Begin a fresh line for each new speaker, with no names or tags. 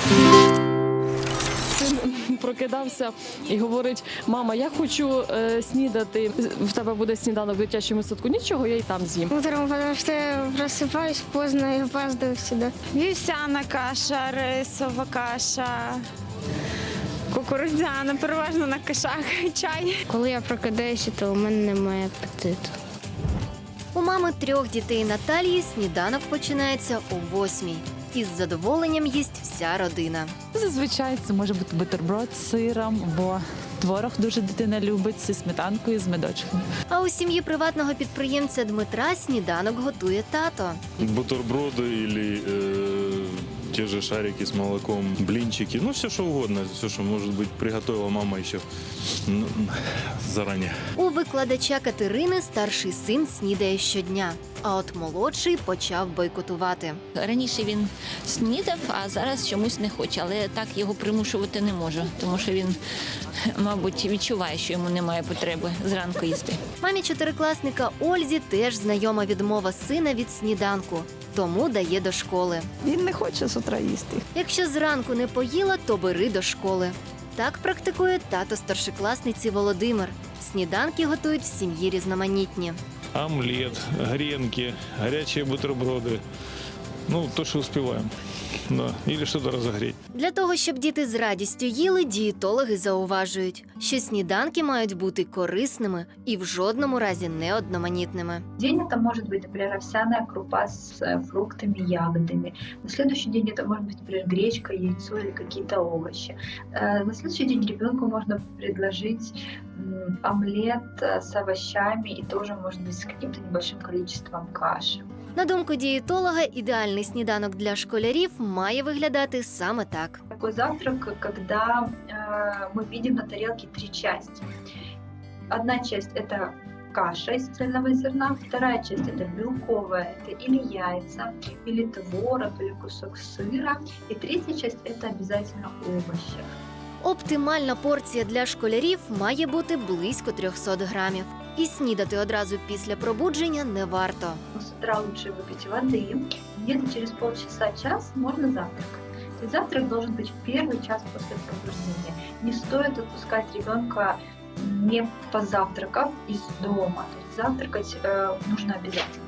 Син прокидався і говорить: мама, я хочу снідати. В тебе буде сніданок в дитячому садку. Нічого, я й там з'їм.
Утром, потому что я просыпаюсь поздно и опаздываю всегда.
Вівсяна каша, рисова каша, кукурудзяна, переважно на кашах, чай.
Коли я прокидаюся, то у мене немає апетиту.
У мами 3 дітей Наталії сніданок починається о 8:00. Із задоволенням їсть вся родина.
Зазвичай це може бути бутерброд з сиром, бо творог дуже дитина любить зі сметанкою, з медочком.
А у сім'ї приватного підприємця Дмитра сніданок готує тато.
Бутерброды или те же шарики с молоком, блинчики, ну все что угодно, все, что может быть приготовила мама еще заранее.
У викладача Катерини старший син снідає щодня, а от молодший почав бойкотувати.
Раніше він снідав, а зараз чомусь не хоче. Але так його примушувати не можу, тому що він, мабуть, відчуває, що йому немає потреби зранку їсти.
Мамі чотирикласника Ользі теж знайома відмова сина від сніданку, тому дає до школи.
Він не хоче з утра їсти.
Якщо зранку не поїла, то бери до школи. Так практикує тато старшокласниці Володимир. Сніданки готують в сім'ї різноманітні.
Омлет, гренки, горячие бутерброды, ну то, что успеваем, да, или что-то разогреть.
Для того, щоб діти з радістю їли, дієтологи зауважують, що сніданки мають бути корисними і в жодному разі не одноманітними.
День это может быть, например, овсяная крупа с фруктами, ягодами. На следующий день это может быть, например, гречка, яйцо или какие-то овощи. На следующий день ребенку можно предложить омлет с овощами и тоже, может быть, с каким-то небольшим количеством каши.
На думку дієтолога, ідеальний сніданок для школярів має виглядати саме так.
Такой завтрак, когда мы видим на тарелке 3 части. Одна часть – это каша из цельного зерна, вторая часть – это белковая, это или яйца, или творог, или кусок сыра, и третья часть – это обязательно овощи.
Оптимальна порція для школярів має бути близько 300 грамів. І снідати одразу після пробудження не варто.
С утра лучше выпить воды, где-то через полчаса-час можно завтракать. И завтрак должен быть в первый час после пробуждения. Не стоит отпускать ребенка, не позавтракав из дома. То есть завтракать нужно обязательно.